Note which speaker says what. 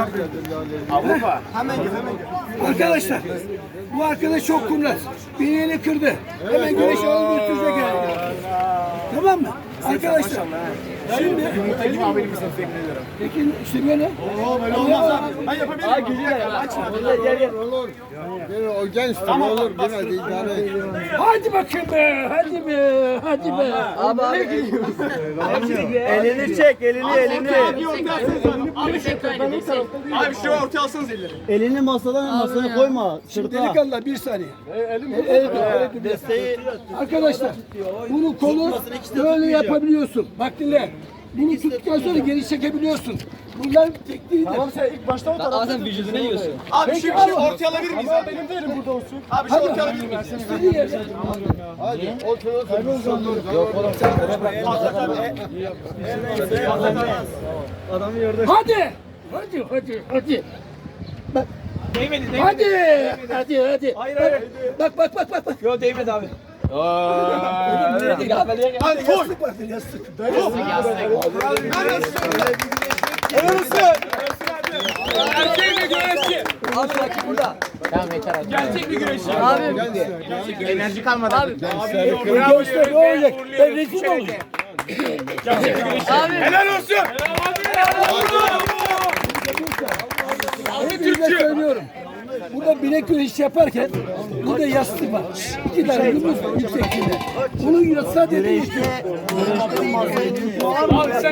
Speaker 1: Avrupa.
Speaker 2: Arkadaşlar, bu arkadaş çok kurnaz. Bileğini kırdı. Hemen güneşi alıp götürecek yani. Tamam mı? Arkadaşlar, şimdi...
Speaker 1: Yumurta gibi haberim misin? Teşekkür
Speaker 2: Peki işte böyle.
Speaker 1: Böyle olmaz abi. Ben yapabilirim. Gel.
Speaker 3: Olur. O genç tabii olur. Yine de idare et.
Speaker 2: Hadi bakayım be, hadi be, hadi be.
Speaker 4: Abi.
Speaker 5: Elini çek, elini.
Speaker 1: Abi şu ortaya alsanız elleri.
Speaker 5: Elini masaya koyma.
Speaker 2: Şimdi
Speaker 5: Sırtına.
Speaker 2: delikanlı bir saniye.
Speaker 5: Desteği
Speaker 2: Arkadaşlar, bunu kolu böyle yapabiliyorsun. Bak dinle. Bunu tuttuktan sonra geri çekebiliyorsun. Bunlar tekniğidir.
Speaker 1: Tamam sen ilk başta o tarafa.
Speaker 4: Sen vücuduna yiyorsun.
Speaker 1: Abi şu ortaya alabilir miyiz abi? Benim de elim burada olsun. Abi şu ortaya alabilir miyiz?
Speaker 2: İstediği yere.
Speaker 3: Hadi. Otur.
Speaker 5: Yok oğlum sen adamı yerde.
Speaker 2: Hadi. Hadi. Bak.
Speaker 1: Değmedi.
Speaker 2: Hadi. Bak.
Speaker 4: Yok değmedi abi.
Speaker 1: Hadi koy.
Speaker 2: Yastık vardır yastık.
Speaker 1: Erkeğin bir güreşçi.
Speaker 4: Abi rakip burada. Tamam yeter abi.
Speaker 1: Gerçek bir güreşçi.
Speaker 4: Abi.
Speaker 1: Enerji kalmadı. Abi.
Speaker 2: Gençler ne olacak? Ben rezil mi olacağım?
Speaker 4: Abi.
Speaker 1: Helal olsun.
Speaker 2: Hepinize söylüyorum. Burada bilek güreşi yaparken burada yastık var. 2 tane yumruk var yüksekliğinde. Bunu yatsa dediği
Speaker 1: Abi sen